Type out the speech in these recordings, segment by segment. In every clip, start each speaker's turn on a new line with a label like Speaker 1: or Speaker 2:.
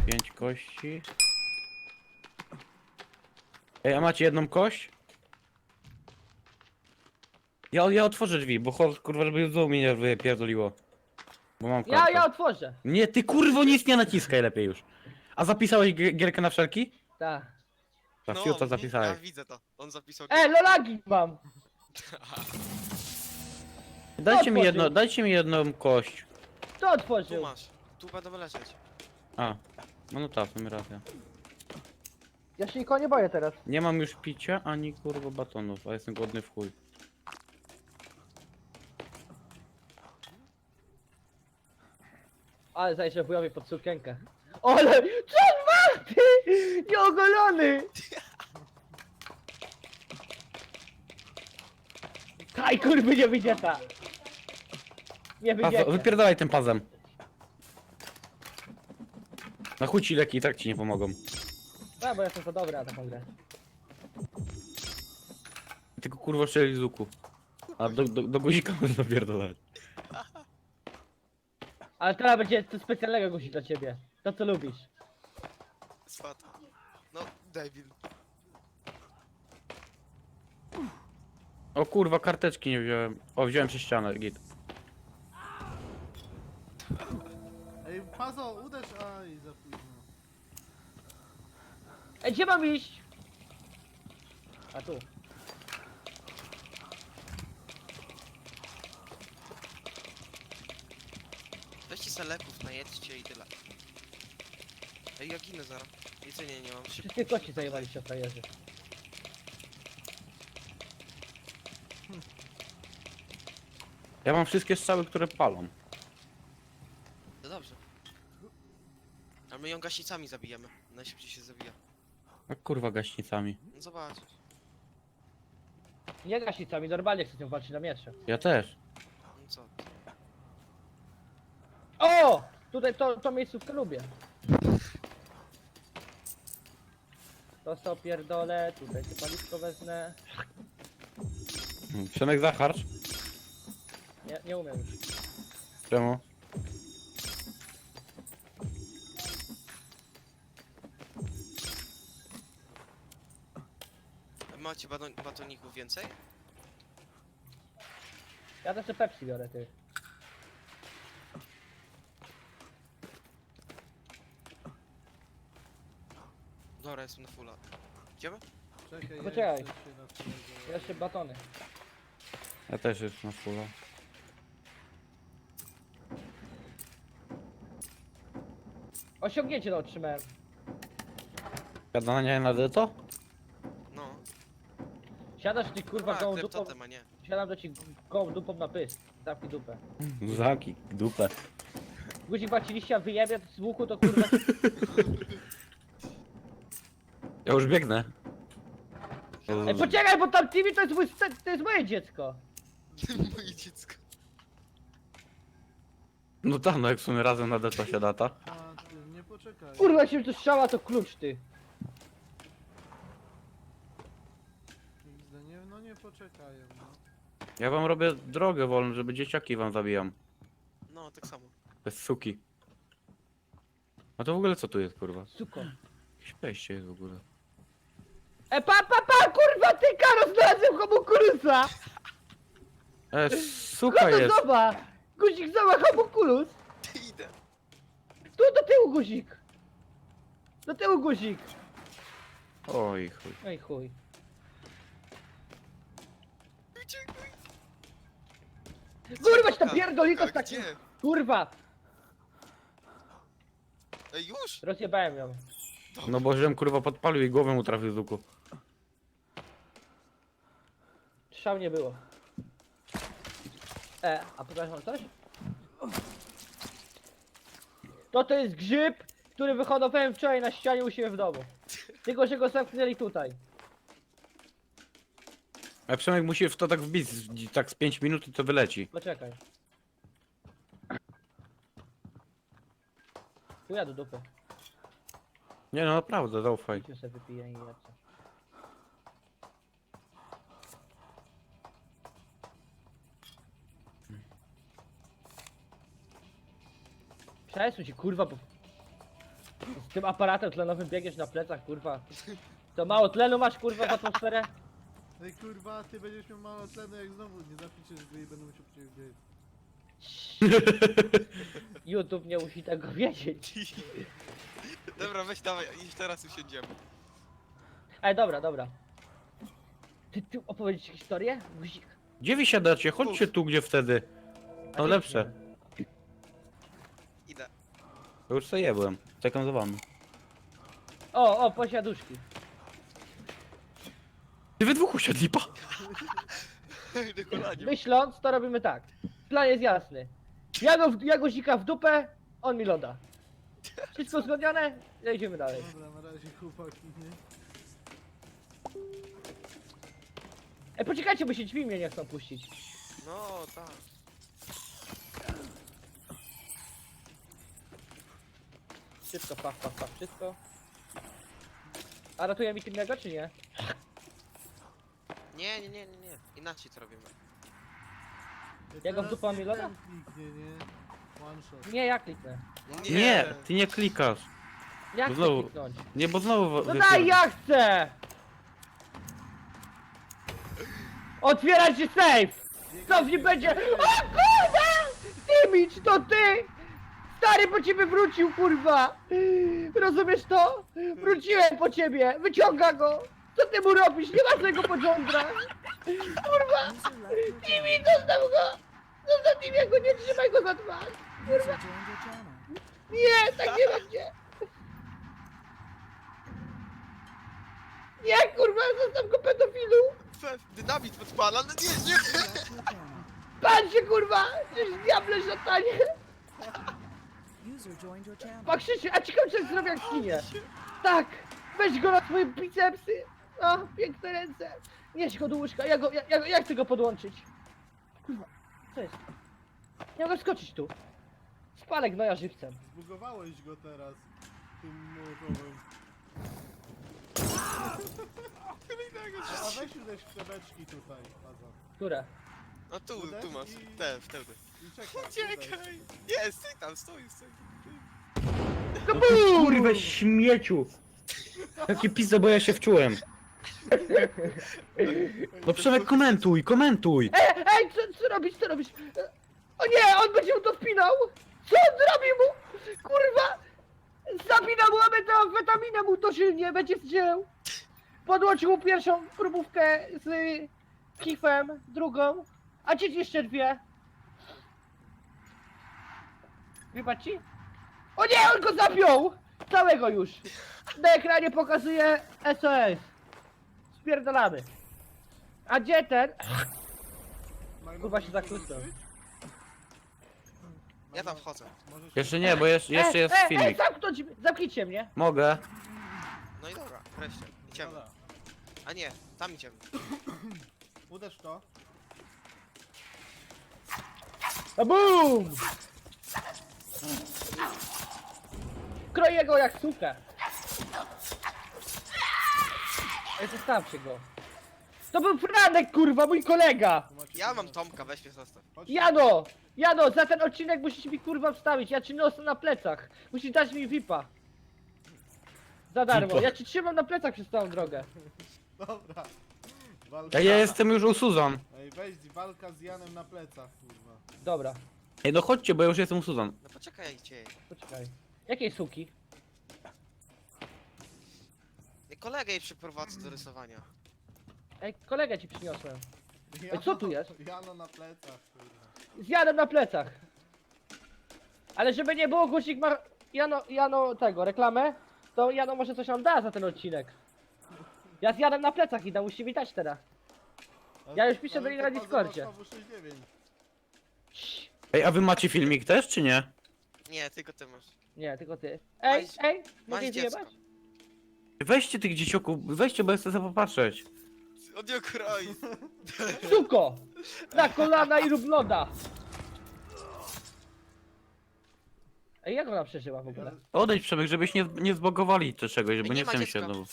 Speaker 1: 5 kości. Ej, a macie jedną kość? Ja otworzę drzwi, bo kurwa, żeby znowu mnie nie wypierdoliło. Bo mam kartę.
Speaker 2: Ja otworzę.
Speaker 1: Nie, ty kurwo nic nie naciskaj lepiej już. A zapisałeś gierkę na wszelki?
Speaker 2: Tak.
Speaker 1: Ta
Speaker 3: No,
Speaker 1: fiuta
Speaker 3: ja
Speaker 1: zapisałeś.
Speaker 3: widzę to. On zapisał.
Speaker 2: Lolagi mam. otworzył?
Speaker 1: Dajcie mi jedną kość.
Speaker 2: Kto
Speaker 3: Tu
Speaker 2: otworzył?
Speaker 3: masz. Tu będą leżeć.
Speaker 1: A, no tak, w sumie racja.
Speaker 2: Ja się nikogo nie boję teraz.
Speaker 1: Nie mam już picia, ani kurwa batonów, a jestem głodny w chuj.
Speaker 2: Ale zajrzę wujowi pod sukienkę. Ale, co on ma, ty? Nieogolony! Kaj, kurwy, nie wyjdzie ta. Nie wyjdzie.
Speaker 1: Wypierdalaj tym pazem. Na chuj ci leki i tak ci nie pomogą.
Speaker 2: A, bo jestem to dobra na taką grę.
Speaker 1: Tylko kurwa strzeli z łuku. A do guzika można pierdolać.
Speaker 2: Ale teraz będzie coś specjalnego guzik dla ciebie. To co lubisz.
Speaker 3: Swat. No, debil.
Speaker 1: O kurwa, karteczki nie wziąłem. O, wziąłem przez ścianę, git.
Speaker 4: Ej, Pazo, uderz, aj, za późno.
Speaker 2: Ej, gdzie mam iść? A tu.
Speaker 3: Weźcie se leków, najedźcie i tyle. Ej, ja ginę zaraz. Jedzenia nie mam. Szybko.
Speaker 2: Wszystkie kości zajebaliście, frajerzy.
Speaker 1: Ja mam wszystkie strzały, które palą.
Speaker 3: No dobrze. A my ją gaśnicami zabijemy. Najszybciej się zabija.
Speaker 1: A kurwa gaśnicami.
Speaker 3: No zobaczysz.
Speaker 2: Nie gaśnicami, normalnie chcę z nią walczyć na miecze.
Speaker 1: Ja też.
Speaker 3: No co?
Speaker 2: O! Tutaj to miejscówkę lubię. To co pierdolę, tutaj to paliwko wezmę.
Speaker 1: Przemek zacharcz?
Speaker 2: Nie umiem już.
Speaker 1: Czemu?
Speaker 3: Macie batoników więcej?
Speaker 2: Ja też te Pepsi biorę, ty.
Speaker 3: Dobra, jestem na fulla. Idziemy?
Speaker 4: Czekaj, ja
Speaker 2: Poczekaj.
Speaker 4: jeszcze się na twojego...
Speaker 2: Jeszcze batony.
Speaker 1: Ja też jestem na fulla.
Speaker 2: Osiągnięcie to otrzymałem.
Speaker 1: Gadanie na to?
Speaker 3: No.
Speaker 2: Siadasz ty kurwa
Speaker 3: A,
Speaker 2: gołą dupą.
Speaker 3: kleptotem, a nie.
Speaker 2: Siadam do ci gołą dupą na pysk. Zamknij dupę.
Speaker 1: Zaki, dupę.
Speaker 2: Guzik macie liścia wyjebie z łuku to kurwa.
Speaker 1: Ja już biegnę.
Speaker 2: Ej, poczekaj, bo tam TV to jest to jest moje dziecko.
Speaker 3: Moje dziecko.
Speaker 1: No tak, no jak w sumie razem na deto się data.
Speaker 4: A, ty, nie poczekaj.
Speaker 2: Kurwa się to strzała to klucz ty.
Speaker 4: XD, nie, no nie poczekają, no.
Speaker 1: Ja wam robię drogę wolną, żeby dzieciaki wam zabijam.
Speaker 3: No, tak samo.
Speaker 1: Bez suki. A to w ogóle co tu jest, kurwa?
Speaker 2: Suko.
Speaker 1: Jakieś wejście jest w ogóle.
Speaker 2: Kurwa ty Karo znalazłem homunculus!
Speaker 1: Suka
Speaker 2: Koto
Speaker 1: jest!
Speaker 2: zoba! Guzik zoba homunculus!
Speaker 3: Ty idę.
Speaker 2: Tu do tyłu guzik! Do tyłu guzik!
Speaker 1: Oj chuj.
Speaker 2: Ej chuj.
Speaker 3: Uciekaj.
Speaker 2: Kurwa się to pierdolito z
Speaker 3: A
Speaker 2: takim...
Speaker 3: gdzie?
Speaker 2: Kurwa!
Speaker 3: Ej, już?
Speaker 2: Rozjebałem ją.
Speaker 1: No bo żem kurwa podpalił i głowę mu trafił z łuku.
Speaker 2: Strzał nie było. A przepraszam coś? To jest grzyb, który wyhodowałem wczoraj na ścianie u siebie w domu. Tylko, że go zamknęli tutaj.
Speaker 1: A Przemek musi w to tak wbić, tak z 5 minut i to wyleci.
Speaker 2: Poczekaj. Tu ja do dupy.
Speaker 1: Nie no naprawdę, zaufaj.
Speaker 2: Tu sobie wypiję i lecę. Przesuń się kurwa, bo... Z tym aparatem tlenowym biegniesz na plecach, kurwa. To mało tlenu masz, kurwa, w atmosferę?
Speaker 4: Ej kurwa, ty będziesz miał mało tlenu jak znowu nie zapiszesz gry i będę musiał po ciebie biec.
Speaker 2: YouTube nie musi tego wiedzieć.
Speaker 3: Dobra, weź dawaj, i teraz usiądziemy.
Speaker 2: Ej, dobra, dobra. Ty opowiedzieć historię? Guzik.
Speaker 1: Gdzie wy siadacie? Chodźcie tu, gdzie wtedy. No lepsze.
Speaker 3: Idę.
Speaker 1: Ja już sobie jebłem. Czekam za wami.
Speaker 2: O, posiaduszki.
Speaker 1: Ty we dwóch usiadli, pa!
Speaker 3: Na kolanie.
Speaker 2: Myśląc, to robimy tak. Plan jest jasny. Ja guzika w dupę, on mi loda. Wszystko uzgodnione? Jedziemy dalej.
Speaker 4: Dobra, na razie chłopaki, nie?
Speaker 2: Ej, poczekajcie, bo się drzwi mnie nie chcą puścić.
Speaker 3: No, tak.
Speaker 2: Wszystko, paf, wszystko. A ratuje mi innego, czy nie?
Speaker 3: Nie. Inaczej to robimy.
Speaker 2: Ja go w
Speaker 4: Teraz
Speaker 2: dupę mam
Speaker 4: nie
Speaker 2: Milona?
Speaker 4: ten kliknie, nie? One shot.
Speaker 2: Nie, ja kliknę.
Speaker 1: Nie, ty nie klikasz.
Speaker 2: Ja chcę
Speaker 1: Znowu.
Speaker 2: kliknąć.
Speaker 1: Nie, bo znowu...
Speaker 2: No daj, ja chcę! Otwierać się safe! Co w nim będzie? O kurwa! Dimicz, to ty! Stary po ciebie wrócił, kurwa! Rozumiesz to? Wróciłem po ciebie! Wyciąga go! Co ty mu robisz? Nie masz tego podziądra! Kurwa! Dimi, zostaw go! Zostaw Dimiego, nie trzymaj go za twarz! Kurwa! Nie, tak nie będzie! Nie, kurwa, zostaw go, pedofilu!
Speaker 3: Dynamit podpala, no nie!
Speaker 2: Pan się, kurwa! Gdzieś diable szatanie! Pakrzycie, a ciekawe, czy zrobię jak skinie. Tak! Weź go na swoje bicepsy! O, piękne ręce! Nieś go do łóżka, ja chcę go podłączyć. Kurwa, co jest? Ja mogę skoczyć tu. Spalę gnoja żywcem.
Speaker 4: Zbugowałeś go teraz. Tym mołotowym. A weź uderz w te beczki tutaj, Pazo.
Speaker 2: Które?
Speaker 3: No tu masz.
Speaker 4: I-
Speaker 3: Wtedy.
Speaker 4: I czekaj, uderz.
Speaker 3: Uciekaj! Nie, stój tam, stój.
Speaker 1: Kurwa, śmieciu! Jaki pizza, bo ja się wczułem. No Przemek, komentuj!
Speaker 2: Ej, co robisz, co robisz? O nie, on będzie mu to wpinał! Co on zrobi mu? Kurwa! Zapina mu amfetaminę mu dożylnie, będzie zdział. Podłączył mu pierwszą próbówkę z kifem, drugą, a dziś jeszcze dwie. Wypadł ci? O nie, on go zapiął! Całego już! Na ekranie pokazuje SOS. Spierdolamy. A gdzie ten? Kurwa się zakłócał.
Speaker 3: Ja tam wchodzę.
Speaker 4: Możesz-
Speaker 1: Jeszcze nie, bo jeszcze jest filmik.
Speaker 2: Zamknijcie mnie.
Speaker 1: Mogę.
Speaker 3: No i dobra, wreszcie. Idziemy.
Speaker 4: Dobra.
Speaker 3: A nie, tam idziemy.
Speaker 4: Uderz w to.
Speaker 2: A BUM! Kroję go jak sukę. Ej, zostawcie go. To był Franek, kurwa, mój kolega!
Speaker 4: Tu macie
Speaker 3: Ja mam
Speaker 4: pomoc.
Speaker 3: Tomka, weź mnie zostaw.
Speaker 4: Chodźcie.
Speaker 2: Jano, za ten odcinek musisz mi kurwa wstawić, ja ci niosę na plecach. Musisz dać mi VIPa. Za darmo,
Speaker 1: VIPa.
Speaker 2: ja ci trzymam na plecach przez całą drogę.
Speaker 4: Dobra. Walka.
Speaker 1: Ja jestem już u Suzan.
Speaker 4: Ej, weź walka z Janem na plecach, kurwa.
Speaker 2: Dobra,
Speaker 1: Ej, no chodźcie, bo ja już jestem u Suzan.
Speaker 3: No poczekajcie.
Speaker 2: poczekaj. Jakiej suki?
Speaker 3: Kolegę jej przyprowadzę do rysowania.
Speaker 2: Ej, kolegę ci przyniosłem. co tu jest?
Speaker 4: Jano na plecach, kurwa.
Speaker 2: Z Janem na plecach. Ale żeby nie było, Guzik ma Jano tego, reklamę, to Jano może coś nam da za ten odcinek. Ja z Janem na plecach idę, musi mi dać teraz. Ja już piszę do niej na
Speaker 4: to
Speaker 2: Discordzie.
Speaker 4: Pazo masz 69.
Speaker 1: Ej, a wy macie filmik też, czy nie?
Speaker 3: Nie, tylko ty masz.
Speaker 2: Nie, tylko ty. Ej,
Speaker 3: Masz
Speaker 2: mogę jej
Speaker 3: dziecko.
Speaker 2: zjebać?
Speaker 1: Weźcie tych dzieciaków, weźcie, bo ja chcę sobie popatrzeć.
Speaker 3: Od nie kroi.
Speaker 2: Suko! Na kolana i rób loda! Ej, jak ona przeżyła w ogóle?
Speaker 1: Odejdź, Przemek, żebyś nie zbogowali czy czegoś, bo
Speaker 3: nie
Speaker 1: nie
Speaker 3: ma
Speaker 1: chcę mi się
Speaker 3: dziecka.
Speaker 1: znowu.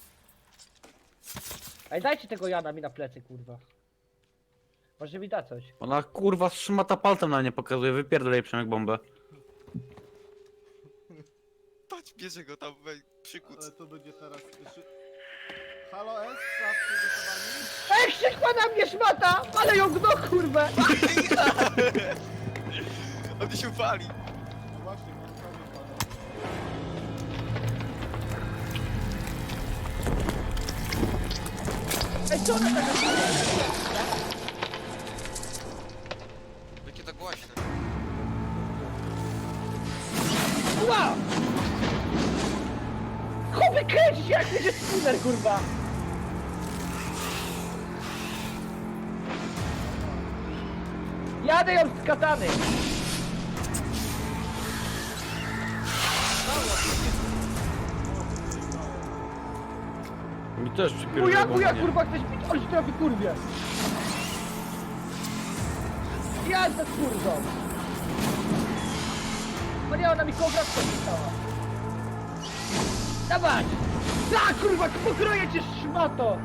Speaker 2: Ej, dajcie tego Jana mi na plecy, kurwa. Może mi da coś.
Speaker 1: Ona kurwa szmata palcem na nie pokazuje, wypierdolej Przemek bombę.
Speaker 3: Patrz, bierze go tam, przykuc.
Speaker 4: Ale to będzie teraz... Halo S, sprawdźcie gotowani.
Speaker 2: Ej, krzykła na mnie szmata! Ale ją gno, kurwę!
Speaker 3: On się pali.
Speaker 4: No właśnie, mam prawie pana.
Speaker 2: Ej, co ona taka...
Speaker 3: Jakie to głośne.
Speaker 2: Wow! Chłopie, kręci się jak będzie spooner, kurwa! Jadę ją z katany!
Speaker 1: Mi też przypierdolę.
Speaker 2: Buja, kurwa, ktoś mi coś trafi, kurwie! Jazda z kurwą! O nie, ona mi kobra wstała. Dawaj! Tak, kurwa, pokroję cię, szmato!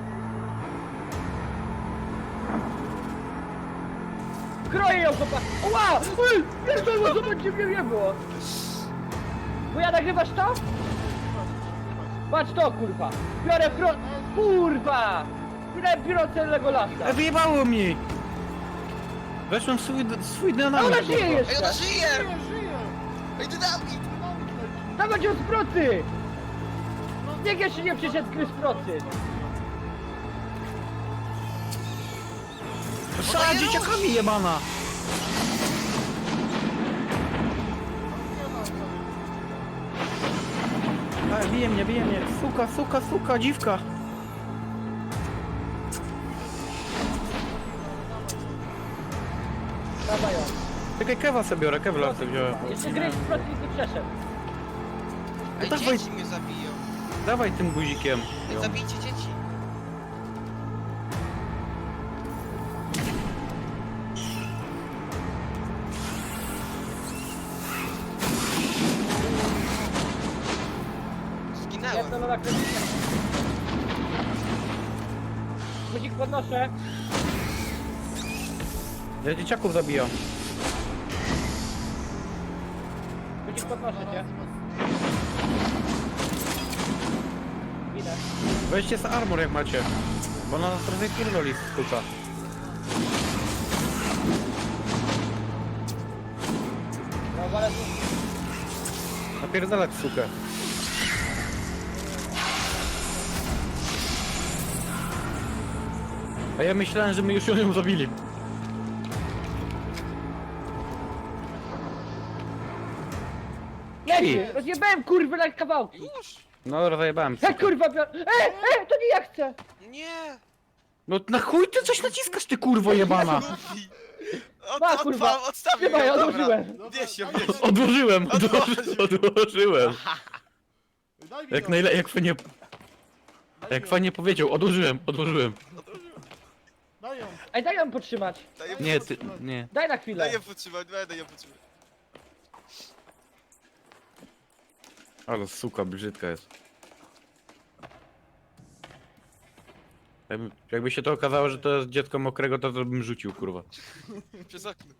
Speaker 2: Kroję ją, chłopak! Ła! Ej, pierdolę, zobacz, gdzie mnie nie było! Buja, nagrywasz to? Patrz to, kurwa! Biorę kurwa! Biorę celego lasa!
Speaker 1: Wyjebało mi! Weszłem w swój
Speaker 2: A
Speaker 1: dynamit.
Speaker 2: ona żyje
Speaker 3: Ej,
Speaker 2: jeszcze!
Speaker 3: ona żyje!
Speaker 4: Żyję, żyję!
Speaker 3: Ej, dynamit!
Speaker 4: Dynamit leci.
Speaker 2: Dawać ją z procy! Niech jeszcze nie przyszedł gry z procy!
Speaker 1: Szala dzieciakami jebana! Ej, bije mnie, suka, dziwka!
Speaker 2: Dawaj ją!
Speaker 1: Czekaj, kewa sobie biorę, kewlar sobie wziąłem.
Speaker 2: Jeszcze gry z procy nie przeszedł!
Speaker 3: Ej,
Speaker 1: dawaj.
Speaker 3: dzieci mnie zabiją.
Speaker 1: Dawaj tym guzikiem.
Speaker 3: Ej, zabijcie dzieci. Zginęłem.
Speaker 2: Jedno na kręcicie. Guzik podnoszę!
Speaker 1: Ja dzieciaków zabijam.
Speaker 2: Guzik podnoszę cię! Idę.
Speaker 1: Weźcie z armor jak macie. Bo ona nas trochę pierdoli z kuka.
Speaker 2: No, ale tu...
Speaker 1: Napierdalać sukę. A ja myślałem, że my już ją zabili.
Speaker 2: Leci! Rozjebałem kurwy na kawałki!
Speaker 3: Już?
Speaker 1: No, rozjebałem
Speaker 2: Ja
Speaker 1: sukę.
Speaker 2: kurwa biorę... to nie ja chcę!
Speaker 3: Nie!
Speaker 1: No na chuj ty coś naciskasz, ty kurwo jebana!
Speaker 3: Luffy!
Speaker 2: Ma, kurwa.
Speaker 3: Odstawił
Speaker 2: Chyba ja
Speaker 3: ją, dobra.
Speaker 2: odłożyłem!
Speaker 3: Bierz ją, bierz.
Speaker 1: Odłożyłem,
Speaker 3: Odłożył.
Speaker 1: odłożyłem.
Speaker 4: Daj mi
Speaker 1: Jak
Speaker 4: ją.
Speaker 1: najlepiej, jak fajnie,
Speaker 4: Daj
Speaker 1: jak
Speaker 4: mi ją.
Speaker 1: fajnie powiedział, odłożyłem.
Speaker 4: Daj ją.
Speaker 2: Ej, daj ją podtrzymać!
Speaker 3: Daję
Speaker 1: Nie, ty, nie.
Speaker 2: Daj na chwilę!
Speaker 3: Daję podtrzymać, będę ją podtrzymać.
Speaker 1: Ale suka brzydka jest. Jakby się to okazało, że to jest dziecko mokrego, to bym rzucił, kurwa.
Speaker 3: Przez okno.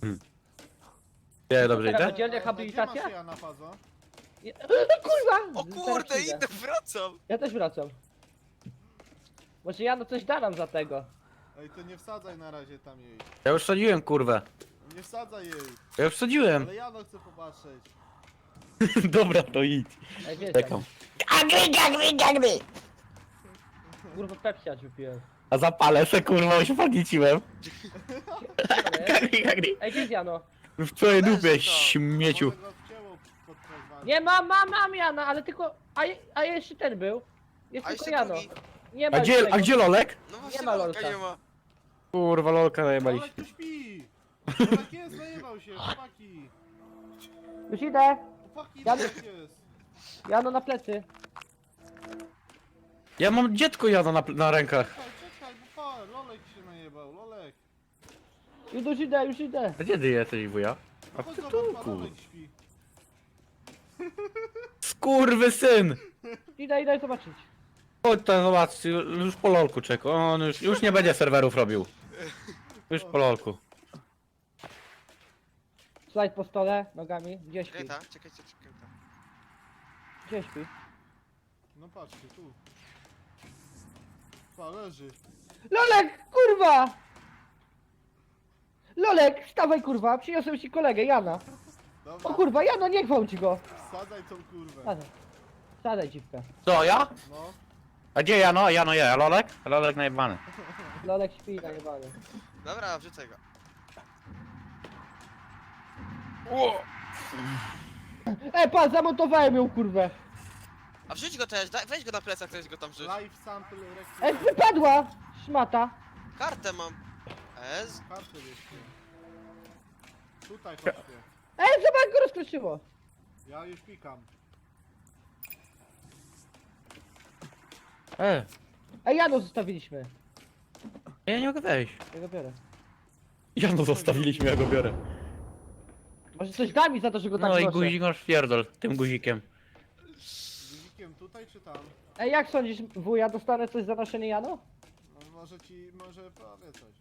Speaker 1: Nie, dobrze
Speaker 2: Teraz
Speaker 1: idę?
Speaker 2: będzie
Speaker 4: Gdzie
Speaker 2: rehabilitacja?
Speaker 4: masz ja na fazo?
Speaker 2: Kurwa!
Speaker 3: O kurde,
Speaker 2: Teraz idę.
Speaker 3: idę, wracam!
Speaker 2: Ja też wracam. Może Jano coś da nam za tego.
Speaker 4: Ej, to nie wsadzaj na razie tam jej.
Speaker 1: Ja już wsadziłem, kurwę.
Speaker 4: Nie wsadzaj jej.
Speaker 1: Ja już wsadziłem.
Speaker 4: Ale ja no chcę popatrzeć.
Speaker 1: Dobra, to idź.
Speaker 2: Ej, wiesz,
Speaker 1: Czekam.
Speaker 2: kurwa Pepsi aż wypiłem.
Speaker 1: A zapalę se, kurwa, już podnieciłem.
Speaker 2: Ej, gdzie jest Jano?
Speaker 1: W twojej dupie,
Speaker 3: Leży to.
Speaker 1: śmieciu.
Speaker 4: Może go wcięło podczas walki.
Speaker 2: Nie, mam Jana, ale tylko... A jeszcze ten był. Jest
Speaker 3: A
Speaker 2: tylko
Speaker 3: jeszcze
Speaker 2: Jano.
Speaker 3: drugi.
Speaker 2: Nie ma
Speaker 1: A
Speaker 2: już
Speaker 1: gdzie,
Speaker 2: tego.
Speaker 1: a gdzie Lolek?
Speaker 3: No właśnie,
Speaker 2: Nie ma
Speaker 3: Lolka
Speaker 2: Lolka.
Speaker 3: nie ma.
Speaker 1: Kurwa, Lolka
Speaker 4: Ale
Speaker 1: najebaliście.
Speaker 4: tu śpi! Chłopak jest, zajebał się, chłopaki!
Speaker 2: Już idę.
Speaker 4: Chłopaki,
Speaker 2: Ja-
Speaker 4: tak jest!
Speaker 2: Jano na plecy.
Speaker 1: Ja mam dziecko jada na rękach.
Speaker 4: Czekaj, bo pa, Lolek się najebał, Lolek!
Speaker 2: Już idę.
Speaker 1: A gdzie ty jesteś, wuja? A w
Speaker 4: Chodź zobacz, pa,
Speaker 1: tytułku.
Speaker 4: Lolek śpi.
Speaker 1: Skurwy syn!
Speaker 2: Idę zobaczyć.
Speaker 1: Chodź tam zobacz, już po lolku czeka. On już nie będzie serwerów robił. Już po lolku.
Speaker 2: Slajd po stole, nogami. Gdzie śpi?
Speaker 3: Czekaj ta, czekaj ta.
Speaker 2: Gdzie śpi?
Speaker 4: No patrzcie, tu. Pa, leży.
Speaker 2: Lolek, kurwa! Lolek, wstawaj kurwa, przyniosłem ci kolegę, Jana.
Speaker 4: Dobra,
Speaker 2: O kurwa, Jano, nie gwałć go.
Speaker 4: wsadzaj tą kurwę.
Speaker 2: Sadaj. Sadaj dziwkę.
Speaker 1: Co, ja?
Speaker 4: No,
Speaker 1: A gdzie Jano? Jano je, a Lolek? Lolek najebany.
Speaker 2: Lolek śpi najebany.
Speaker 3: Dobra, wrzucę go.
Speaker 2: Pan, zamontowałem ją kurwę.
Speaker 3: A wrzuć go też, weź go na plecach, też go tam wrzuć.
Speaker 4: live sample recruit.
Speaker 2: Wypadła! Szmata.
Speaker 3: Kartę mam. Ez?
Speaker 4: Kartę wiecie. Tutaj chodźcie.
Speaker 2: Zobacz, go rozkruszyło.
Speaker 4: Ja już pikam.
Speaker 2: Jano zostawiliśmy.
Speaker 1: Ja nie mogę wejść.
Speaker 2: Ja go biorę.
Speaker 1: Jano zostawiliśmy, ja go biorę.
Speaker 2: Może coś da mi za to, że go tak
Speaker 1: No i
Speaker 2: noszę.
Speaker 1: guzik masz pierdol, tym guzikiem.
Speaker 4: Guzikiem tutaj czy tam?
Speaker 2: Jak sądzisz, wuja, dostanę coś za noszenie Jano?
Speaker 4: No, może powie coś.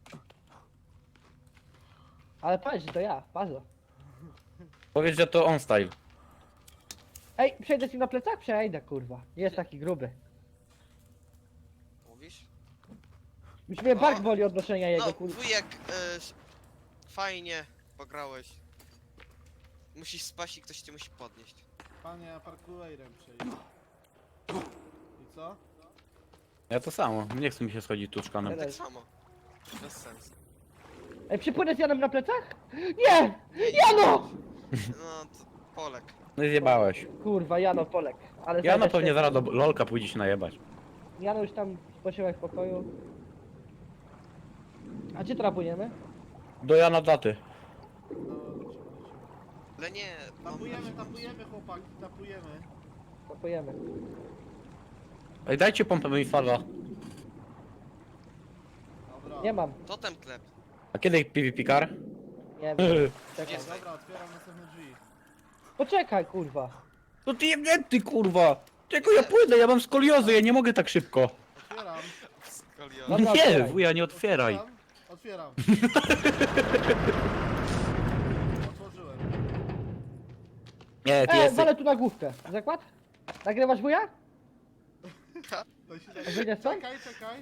Speaker 2: Ale patrz, że to ja, bardzo.
Speaker 1: Powiedz, że to on style.
Speaker 2: Przejdę ci na plecach? Przejdę, kurwa. Jest taki gruby.
Speaker 3: Mówisz?
Speaker 2: Już mnie
Speaker 3: O.
Speaker 2: bark boli od noszenia jego,
Speaker 3: No,
Speaker 2: kurwa.
Speaker 3: wujek, fajnie pograłeś. Musisz spać i ktoś cię musi podnieść.
Speaker 4: Panie, ja parkourem przejdę. I co?
Speaker 1: Ja to samo, nie chce mi się schodzić tu szklanem.
Speaker 3: Tak samo. Bez sensu.
Speaker 2: Przypłynę z Janem na plecach? Nie! Jano!
Speaker 3: No, to Polek.
Speaker 1: No i zjebałeś.
Speaker 2: Kurwa, Jano, Polek. Ale
Speaker 1: Jano
Speaker 2: zajdę
Speaker 1: pewnie
Speaker 2: się-
Speaker 1: zaraz do Lolka pójdzie się najebać.
Speaker 2: Jano już tam spoczywa w pokoju. A gdzie teraz płyniemy?
Speaker 1: Do Jana daty.
Speaker 4: No, lecimy.
Speaker 3: Ale nie,
Speaker 4: Tapujemy chłopaki, tapujemy.
Speaker 2: Popojemy.
Speaker 1: Ej, dajcie pompę, bo mi spada.
Speaker 4: Dobra.
Speaker 2: Nie mam.
Speaker 3: totem klep.
Speaker 1: A kiedy PvP car?
Speaker 2: Nie wiem. Czekaj.
Speaker 3: Jest.
Speaker 4: Dobra, otwieram następne drzwi.
Speaker 2: Poczekaj, kurwa.
Speaker 1: No ty jebnięty kurwa! Czego ja płynę, ja mam skoliozy, ja nie mogę tak szybko.
Speaker 4: Otwieram.
Speaker 3: Skolio.
Speaker 2: Dobra,
Speaker 1: Nie,
Speaker 2: otwieraj.
Speaker 1: wuja, nie otwieraj.
Speaker 4: Otwieram. Otworzyłem.
Speaker 1: Nie, ty jesteś...
Speaker 2: walę tu na główkę. Zakład? Nagrywasz wuja?
Speaker 4: To się
Speaker 2: A wyjdę stąd?
Speaker 4: Czekaj.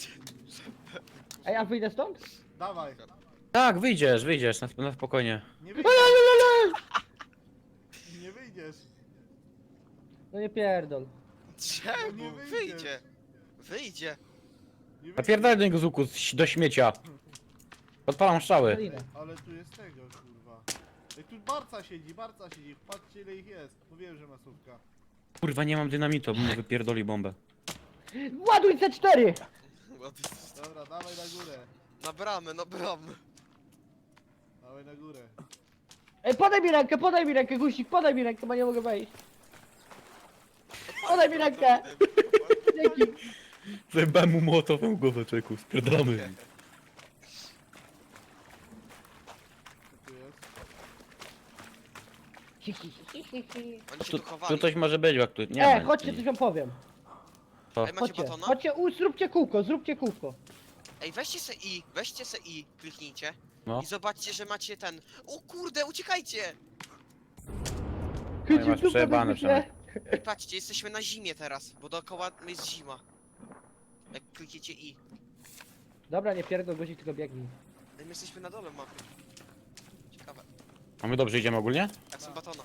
Speaker 2: A wyjdę stąd?
Speaker 4: Dawaj.
Speaker 1: Tak, wyjdziesz, na spokojnie.
Speaker 4: Nie wyjdziesz. Nie wyjdziesz.
Speaker 2: No nie pierdol.
Speaker 3: Czemu?
Speaker 4: nie wyjdzie.
Speaker 3: Wyjdzie. Wyjdzie.
Speaker 4: Nie wyjdziesz.
Speaker 1: Napierdalaj do niego z łuku, do śmiecia. Odpalam strzały.
Speaker 2: Kalinę.
Speaker 4: Ale tu jest tego, kurwa. Ej, tu barca siedzi. Patrzcie ile ich jest. Mówiłem, że masówka.
Speaker 1: Kurwa, nie mam dynamitu, bo mu wypierdoli bombę.
Speaker 2: Ładuj C4!
Speaker 4: Dobra, dawaj na górę.
Speaker 3: Na bramę, na bramę.
Speaker 4: Dawaj na górę.
Speaker 2: Podaj mi rękę, guzik, podaj mi rękę, bo nie mogę wejść. Podaj mi rękę! Dzięki.
Speaker 1: Zajebałem mu młotową głowę, czeku, spierdolamy.
Speaker 4: Co tu jest?
Speaker 3: Oni się
Speaker 1: Tu,
Speaker 3: tu chowali.
Speaker 1: tu coś może być, jak tu... Nie ma,
Speaker 2: Chodźcie,
Speaker 1: nic.
Speaker 2: coś wam powiem.
Speaker 1: Co?
Speaker 3: Ej, macie
Speaker 2: Chodźcie,
Speaker 3: batona?
Speaker 2: chodźcie, zróbcie kółko.
Speaker 3: Ej, weźcie se i, kliknijcie.
Speaker 1: No.
Speaker 3: I zobaczcie, że macie ten... O kurde, uciekajcie!
Speaker 1: No i masz przejebane przynajmniej.
Speaker 3: I patrzcie, jesteśmy na zimie teraz, bo dookoła jest zima. Jak klikniecie i.
Speaker 2: Dobra, nie pierdol, guzik, tylko biegnij.
Speaker 3: Ej, my jesteśmy na dole mapy. Ciekawe.
Speaker 1: A my dobrze idziemy ogólnie?
Speaker 3: Jak są batona.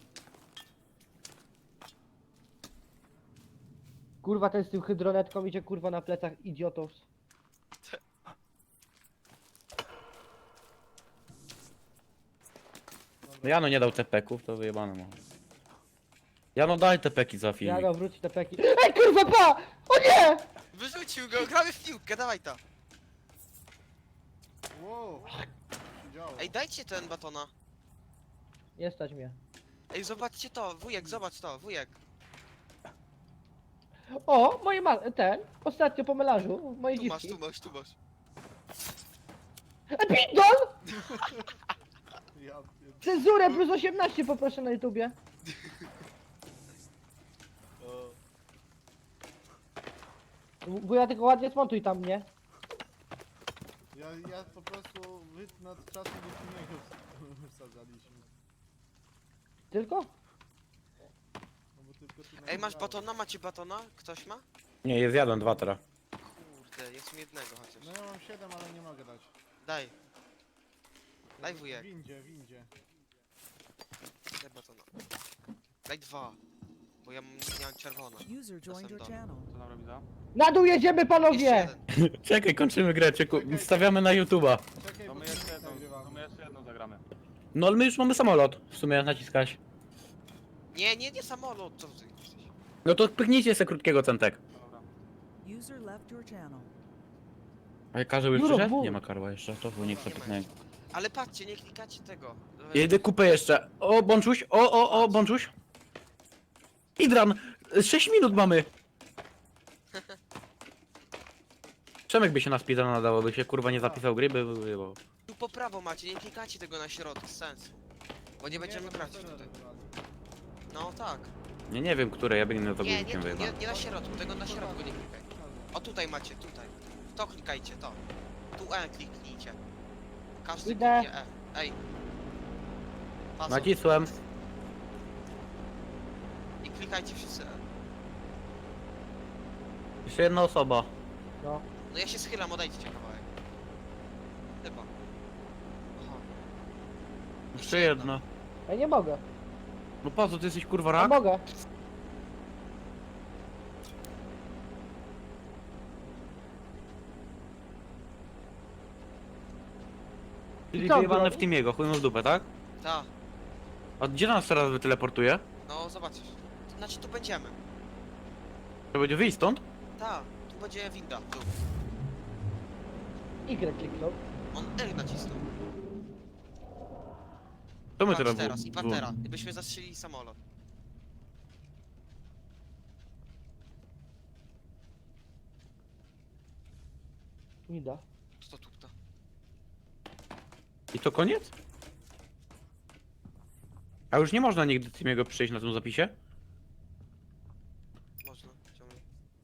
Speaker 2: Kurwa, ten z tym hydronetką idzie kurwa na plecach idiotów.
Speaker 1: No Jano nie dał tepeków, to wyjebane mu. Jano daj tepeki za
Speaker 2: Ja
Speaker 1: filmik.
Speaker 2: go wróci te peki. Ej kurwa, pa! O nie!
Speaker 3: Wyrzucił go, gramy w piłkę, dawaj ta.
Speaker 4: Wow. Co się działo?
Speaker 3: Ej, dajcie ten batona.
Speaker 2: Nie stać mnie.
Speaker 3: Ej, zobaczcie to, wujek, zobacz to, wujek.
Speaker 2: O, ten, ostatnio po melanżu, moje
Speaker 3: Tu masz,
Speaker 2: dziwki.
Speaker 3: tu masz, tu masz.
Speaker 2: Pindol!
Speaker 4: Ja pierd-
Speaker 2: Cenzurę plus 18 poproszę na YouTubie.
Speaker 4: O,
Speaker 2: Bo ja tylko ładnie smontuj tam, nie?
Speaker 4: ja po prostu nad czasem do filmiego wsadzaliśmy.
Speaker 2: Tylko?
Speaker 4: No
Speaker 3: Ej, masz batona? Macie batona? Ktoś ma?
Speaker 1: Nie, jest jeden, dwa teraz.
Speaker 3: Kurde, jest mi jednego chociaż.
Speaker 4: No ja mam 7, ale nie mogę dać.
Speaker 3: Daj, Daj, wujek.
Speaker 4: W windzie.
Speaker 3: daj batona. Daj 2. Bo ja miałem czerwone.
Speaker 5: User joined your
Speaker 3: dom.
Speaker 5: channel.
Speaker 6: Co tam robi za?
Speaker 2: Na dół jedziemy,
Speaker 3: Jeszcze
Speaker 2: panowie!
Speaker 3: jeden.
Speaker 1: Czekaj, kończymy grę, stawiamy na YouTube'a.
Speaker 4: Czekaj,
Speaker 6: To
Speaker 4: bo
Speaker 6: my
Speaker 4: filmik
Speaker 6: jeszcze jedną,
Speaker 4: nagrywam.
Speaker 6: to my jeszcze jedną zagramy.
Speaker 1: No ale my już mamy samolot, w sumie naciskać.
Speaker 3: Nie samolot, co ty jesteś?
Speaker 1: No to pyknijcie se krótkiego centek.
Speaker 6: Dobra.
Speaker 5: User left your channel.
Speaker 1: A Karzeł już
Speaker 2: Juro,
Speaker 1: przyszedł?
Speaker 2: wół.
Speaker 1: Nie ma Karła jeszcze, to był niech
Speaker 3: Nie
Speaker 1: sobie
Speaker 3: ma
Speaker 1: pyknę.
Speaker 3: Ale patrzcie, nie klikacie tego.
Speaker 1: Jedę kupę jeszcze. O, Bączuś, o, Bączuś. Idran, 6 minut mamy. Przemek by się na speedrun nadało, by się kurwa nie zapisał gry, by było.
Speaker 3: Tu po prawo macie, nie klikacie tego na środku, sensu. Bo nie będziemy
Speaker 4: to
Speaker 3: grać
Speaker 4: serwer
Speaker 3: tutaj.
Speaker 4: wywali.
Speaker 3: No tak.
Speaker 1: Nie wiem, które, ja biegnę za
Speaker 3: Nie,
Speaker 1: guzikiem
Speaker 3: tu,
Speaker 1: wyjebane.
Speaker 3: nie na środku, tego na środku nie klikaj. O tutaj macie, tutaj. To klikajcie, to. Tu kliknijcie. Każdy
Speaker 2: Idę.
Speaker 3: kliknie Ej. Paso.
Speaker 1: Nacisłem.
Speaker 3: I klikajcie wszyscy
Speaker 1: Jeszcze jedna osoba.
Speaker 2: No.
Speaker 3: No ja się schylam, odejdźcie kawałek. Chyba. Aha.
Speaker 1: Jeszcze jedna.
Speaker 2: Ja nie mogę.
Speaker 1: No po co, ty jesteś kurwa
Speaker 2: Ja
Speaker 1: rak?
Speaker 2: mogę.
Speaker 1: Czyli
Speaker 2: Co,
Speaker 1: wyjebane
Speaker 2: broń?
Speaker 1: w tym jego, chuj mu w dupę, tak?
Speaker 3: Ta.
Speaker 1: A gdzie nas teraz wyteleportuje?
Speaker 3: No zobaczysz. Znaczy tu będziemy.
Speaker 1: To będzie wyjść stąd?
Speaker 3: Ta. Tu będzie winda. Tu.
Speaker 2: Y kliknął.
Speaker 3: On R nacisnął.
Speaker 1: To my
Speaker 3: Patrz
Speaker 1: teraz
Speaker 3: teraz i patera. Gdybyśmy zastrzelili samolot.
Speaker 2: Nie da.
Speaker 3: To tu, to.
Speaker 1: I to koniec? A już nie można nigdy Timiego przyjść na tym zapisie?
Speaker 3: Można. Ciągnij.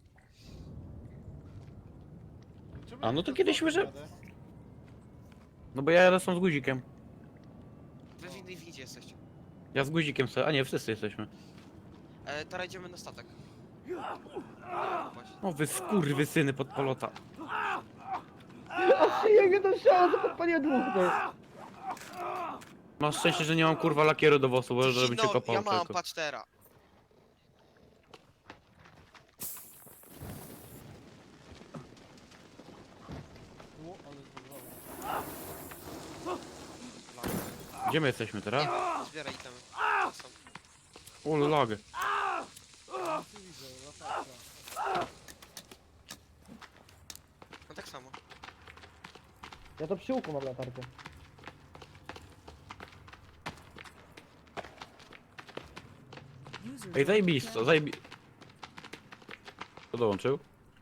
Speaker 4: Czemu
Speaker 1: A,
Speaker 4: ja
Speaker 1: no to
Speaker 4: bez
Speaker 1: kiedyś
Speaker 4: boku
Speaker 1: łyże-
Speaker 4: jadę?
Speaker 1: No bo ja jadę sam z guzikiem.
Speaker 3: Wy w innej windzie jesteście.
Speaker 1: Ja z guzikiem sobie, a nie, wszyscy jesteśmy.
Speaker 3: Teraz idziemy na statek. Właśnie.
Speaker 1: O wy skurwysyny pod polota.
Speaker 2: A szyję do strzała, to podpaliłem dwóch, ty.
Speaker 1: Masz szczęście, że nie mam kurwa lakieru do włosów, bo żeby cię
Speaker 3: No,
Speaker 1: kopał
Speaker 3: ja mam,
Speaker 1: tylko.
Speaker 3: patrz teraz.
Speaker 4: O, ale zbudowało.
Speaker 1: Gdzie my jesteśmy teraz?
Speaker 3: Nie wiem, zbieraj itemy. Są.
Speaker 1: O, lagę.
Speaker 4: Ty widzę, latarka.
Speaker 3: No tak samo.
Speaker 2: Ja to przy łuku mam latarkę.
Speaker 5: User
Speaker 1: Ej,
Speaker 5: joined your
Speaker 1: zajebisto,
Speaker 5: channel.
Speaker 1: Kto dołączył?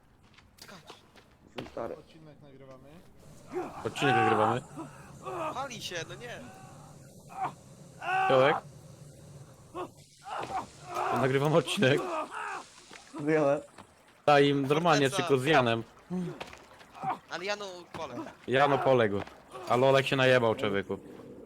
Speaker 3: Skacz.
Speaker 4: Odcinek nagrywamy.
Speaker 1: Odcinek nagrywamy.
Speaker 3: Pali się, no nie.
Speaker 1: Piołek? Nagrywam odcinek.
Speaker 7: Wiele.
Speaker 1: A im normalnie,
Speaker 3: Forteca.
Speaker 1: tylko z Janem.
Speaker 3: Ale Janu pole.
Speaker 1: Jano poległ. Ale Olek się najebał, człowieku.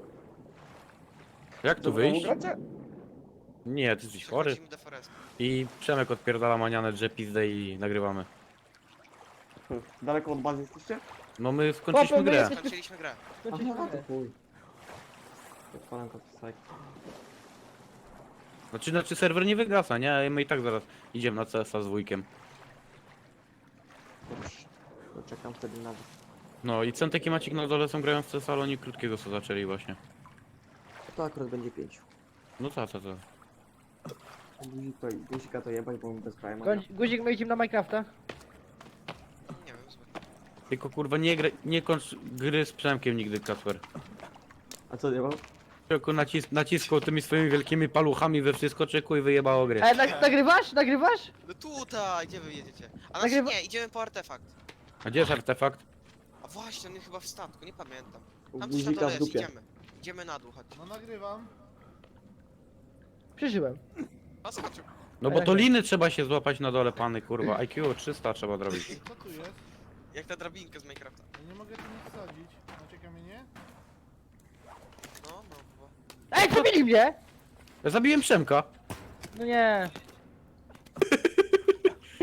Speaker 1: Jak tu wyjść?
Speaker 7: Gracie?
Speaker 1: Nie, ty jesteś chory.
Speaker 3: Przechodzimy do Forestu.
Speaker 1: I Przemek odpierdala manianę, że pizdę i nagrywamy.
Speaker 7: Daleko od bazy jesteście?
Speaker 1: No my skończyliśmy
Speaker 2: Chłopie, my
Speaker 1: grę.
Speaker 2: jesteśmy-
Speaker 3: Skończyliśmy grę.
Speaker 2: Skończyliśmy
Speaker 7: Aha, to
Speaker 2: grę.
Speaker 7: chuj. Odpalam copy
Speaker 1: Znaczy serwer nie wygasa, nie? My i tak zaraz idziemy na CS-a z wujkiem.
Speaker 7: Dobrze. To czekam wtedy na was.
Speaker 1: No i Centek i Macik na dole są grają w CS, ale oni krótkiego co zaczęli właśnie.
Speaker 7: To akurat będzie 5.
Speaker 1: No co.
Speaker 7: Guzika to jebać, bo mi bez kraja ma.
Speaker 2: Guzik, my idziemy na Minecrafta.
Speaker 3: Nie wiem, zbyt.
Speaker 1: Tylko kurwa nie kończ gry z Przemkiem nigdy, Kacper.
Speaker 7: A co jebał?
Speaker 1: Tylko naciskał tymi swoimi wielkimi paluchami we wszystko, czeku i wyjebało gry.
Speaker 2: Nagrywasz? Nagrywasz?
Speaker 3: No tutaj, gdzie wy jedziecie? A
Speaker 2: Nagrywa-
Speaker 3: znaczy nie, idziemy po artefakt.
Speaker 1: A gdzie jest artefakt?
Speaker 3: A właśnie, on jest chyba w statku, nie pamiętam.
Speaker 7: U
Speaker 3: Tam coś na
Speaker 7: Guzika
Speaker 3: dole
Speaker 7: w
Speaker 3: jest,
Speaker 7: dupie.
Speaker 3: idziemy. Idziemy na dół, chodź.
Speaker 4: No nagrywam.
Speaker 2: Przeżyłem.
Speaker 3: A skoczył.
Speaker 1: No bo to liny trzeba się złapać na dole, pany kurwa. IQ 300 trzeba zrobić.
Speaker 4: Co tu jest?
Speaker 3: Jak ta drabinka z Minecrafta.
Speaker 4: Ja nie mogę tu nic wsadzić. Macie kamienie?
Speaker 3: No, chyba.
Speaker 2: Ej, zabili mnie!
Speaker 1: Ja zabiłem Przemka.
Speaker 2: No nie.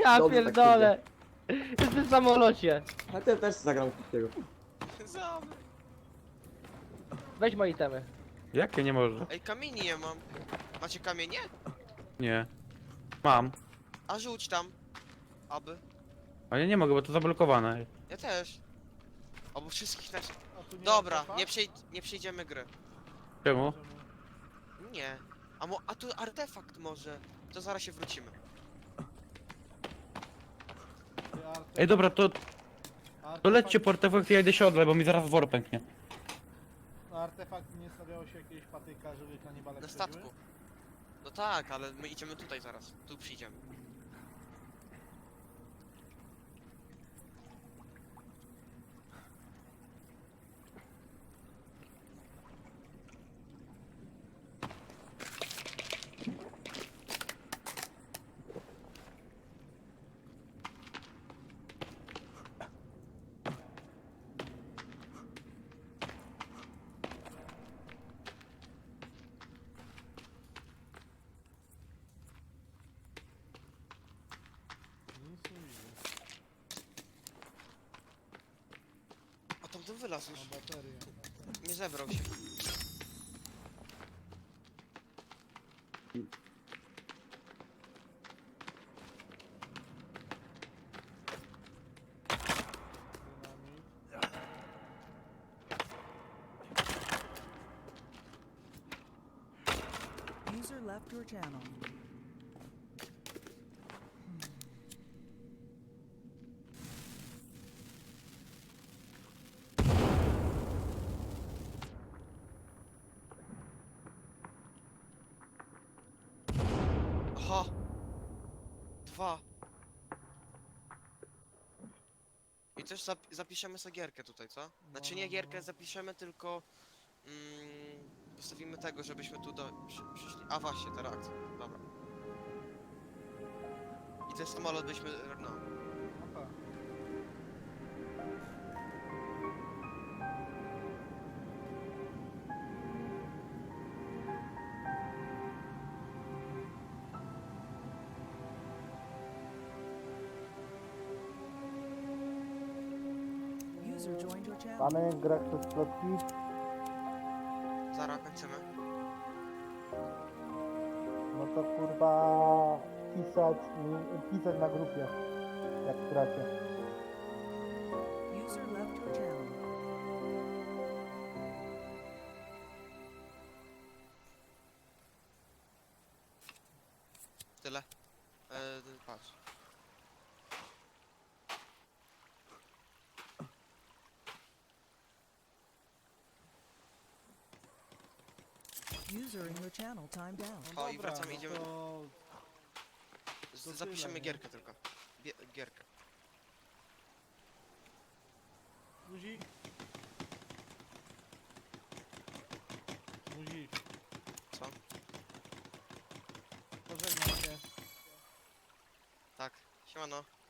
Speaker 2: Ja
Speaker 7: Dobrze, tak
Speaker 2: pierdolę. Jestem w samolocie.
Speaker 7: A ty też zagram krótkiego.
Speaker 3: Zamy.
Speaker 2: Weź moje itemy.
Speaker 1: Jakie nie może?
Speaker 3: Ej, kamieni nie mam. Macie kamienie?
Speaker 1: Nie. Mam.
Speaker 3: A rzuć tam. Aby.
Speaker 1: Ale ja nie mogę, bo to zablokowane.
Speaker 3: Ja też. Albo wszystkich nas...
Speaker 4: A tu nie
Speaker 3: Dobra,
Speaker 4: artefakt?
Speaker 3: nie przejdziemy gry.
Speaker 1: Czemu?
Speaker 3: Nie. A tu artefakt może. To zaraz się wrócimy.
Speaker 4: Ty artefakt-
Speaker 1: Ej, dobra, to
Speaker 4: artefakt-
Speaker 1: lećcie po artefakt, ja idę się odleć, bo mi zaraz wor pęknie.
Speaker 4: Na artefakt nie stawiało się jakiegoś patyka, żeby kanibale
Speaker 3: Na
Speaker 4: wchodziły?
Speaker 3: statku. No tak, ale my idziemy tutaj zaraz. Tu przyjdziemy.
Speaker 4: Nic nie widzę.
Speaker 3: A tamten wylazł już.
Speaker 4: Na baterię.
Speaker 3: Nie zebrał się.
Speaker 4: Dynamit.
Speaker 5: User left your channel.
Speaker 3: Aha! 2. I też zapiszemy sobie gierkę tutaj, co? Znaczy nie gierkę zapiszemy, tylko... postawimy tego, żebyśmy tu przyszli. A właśnie, ta reakcja. Dobra. I ten samolot byśmy... no.
Speaker 4: No tak.
Speaker 5: User joined your channel.
Speaker 2: Mamy grę przez plotki.
Speaker 3: Zaraz kończymy.
Speaker 2: No to kurwa pisać na grupie. Jak w tracie.
Speaker 5: User left your channel.
Speaker 3: Tyle. Patrz.
Speaker 5: User in your channel timed out.
Speaker 4: No
Speaker 3: O, i
Speaker 4: dobra,
Speaker 3: wracamy,
Speaker 4: no
Speaker 3: idziemy.
Speaker 4: to... to
Speaker 3: Zapiszemy
Speaker 4: tyle, nie?
Speaker 3: gierkę tylko. Gierkę.
Speaker 4: Guzik. Guzik.
Speaker 3: Co?
Speaker 4: Pożegnam się.
Speaker 3: Tak. Siemano.